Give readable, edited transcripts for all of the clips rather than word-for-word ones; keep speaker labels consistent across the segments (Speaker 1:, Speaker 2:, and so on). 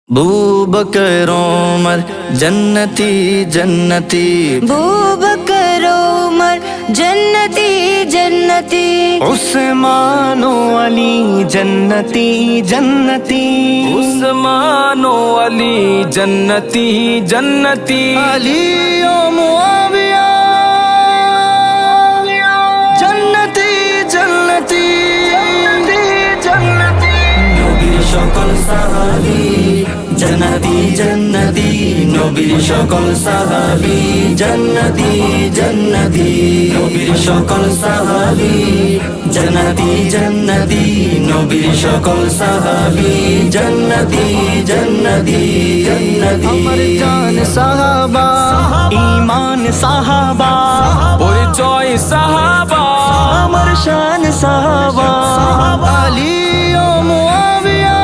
Speaker 1: बूबकर उमर जन्नती जन्नती,
Speaker 2: बूबकर उमर जन्नती जन्नती,
Speaker 1: उस्मानो अली जन्नती जन्नती,
Speaker 3: उस्मानो अली जन्नती जन्नती,
Speaker 1: अली ओ मुआविया जन्नती जन्नती जन्नती, नबीर সকল সাহাবী जन्नती जन्नती, नबीर সকল সাহাবী जन्नती जन्नती, नबीर সকল সাহাবী जन्नती जन्नती, नबीर সকল সাহাবী जन्नती जन्नती जन्नती, अमर जान साहबा ईमान साहबा,
Speaker 3: পরিচয় সাহাবা,
Speaker 1: अमर शान साहबा, अली ओ मुआविया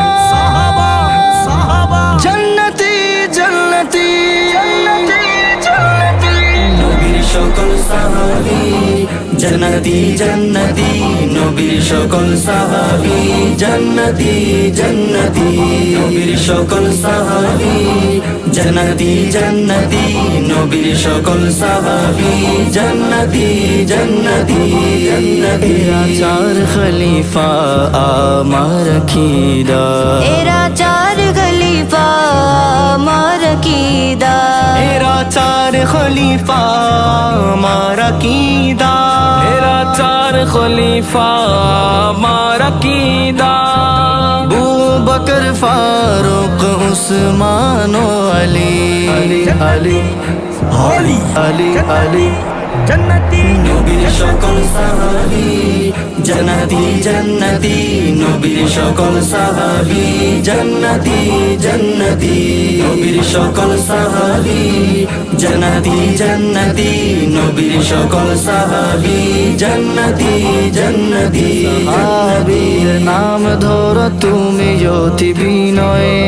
Speaker 1: जन्नती जन्नती जन्नती, नबीर সকল সাহাবী जन्नती जन्नती, नबीर সকল সাহাবী जन्नती जन्नती, नबीर সকল সাহাবী जन्नती जन्नती, नबीर সকল সাহাবী जन्नती जन्नती जन्नती, चार खलीफा आमार कीदा,
Speaker 2: एरा चार खलीफा मार कीदा,
Speaker 1: एरा चार खलीफा मारा कीदा,
Speaker 3: मेरा चार खलीफा मारा कीदा,
Speaker 1: अबू बकर फारूक उस्मान अली अली अली अली अली अली जन्नती, नबीर সকল সাহাবী जन्नती जन्नती, नबीर সকল সাহাবী जन्नती जन्नती, नबीर সকল সাহাবী जन्नती जन्नती, नबीर সকল সাহাবী जन्नती जन्नती, সাহাবীর নাম ধরো তুমি অতি বিনয়ে,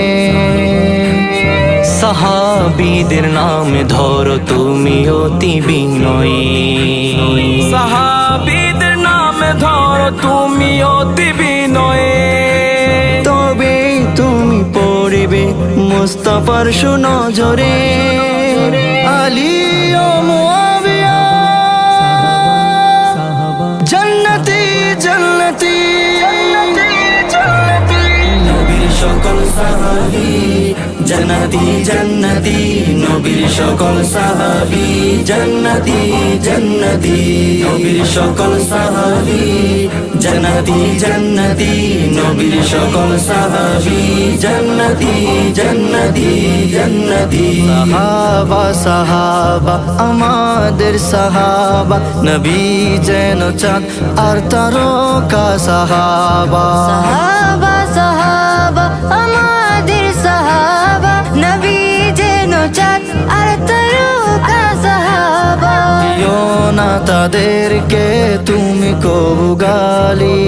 Speaker 1: সাহাবীদের নাম ধরো তুমি অতি বিনয়ে,
Speaker 3: সাহাবীদের নাম ধরো তুমি অতি বিনয়ে,
Speaker 1: তবে তুমি পড়বে মুস্তাফার সুনজরে, আলী ও মুআবিয়া জন্নতি জন্নতি জন্নতি, নবীর সকল সাহাবী जन्नती जन्नती, नबीर সকল সাহাবী जन्नती जन्नती, नबीर সকল সাহাবী जन्नती जन्नती, नबीर সকল সাহাবী जन्नती जन्नती जन्नती, সাহাবা সাহাবা আমাদের সাহাবা, নবী যেন চাঁদ আর তারকা সাহাবা,
Speaker 2: সাহাবা সাহাবা আমাদের সাহাবা, নবী যেন চাঁদ আর তারকা সাহাবা,
Speaker 1: দিও না তাদেরকে তুমি কবু গালি,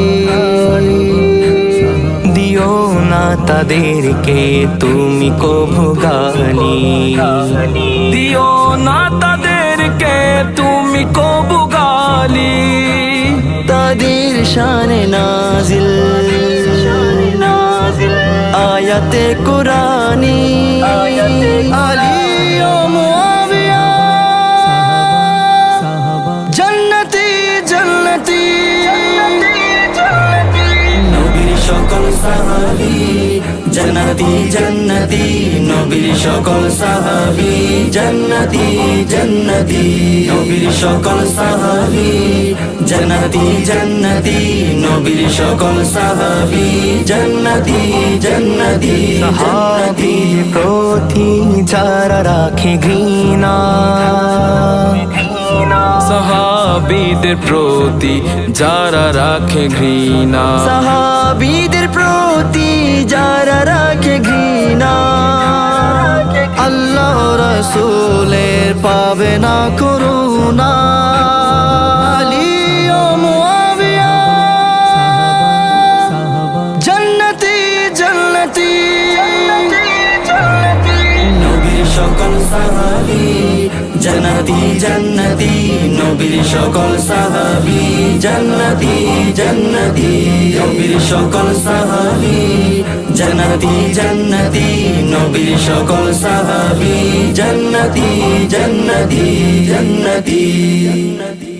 Speaker 1: দিও না তাদেরকে তুমি কবু গালি,
Speaker 3: দিও না তাদেরকে তুমি কবু গালি,
Speaker 1: তাদের শানে নাজিল আয়াতে কুরানি, আলী ও মুআবিয়া জন্নতি জন্নতি নবীর সকল সাহাবী जन्नती जन्नती, नबीर সকল সাহাবী जन्नती जन्नती, नबीर সকল সাহাবী जन्नती जन्नती, नबीर সকল সাহাবী जन्नती जन्नती, সাহাবী প্রতি যারা রাখে ঘৃণা,
Speaker 3: সাহাবীদের প্রতি যারা রাখে ঘৃণা,
Speaker 1: সাহাবীদের প্রতি যারা রাখে ঘৃণা, আল্লাহ রাসূলের পাবে না করুণা, আলী ও মুআবিয়া জন্নতি জন্নতি নবীর সকল সাহাবী জান্নাতি জান্নাতি নবীর সকল সাহাবী জান্নাতি জান্নাতি নবীর সকল সাহাবী জান্নাতি জান্নাতি নবীর সকল সাহাবী জান্নাতি জান্নাতি জান্নাতি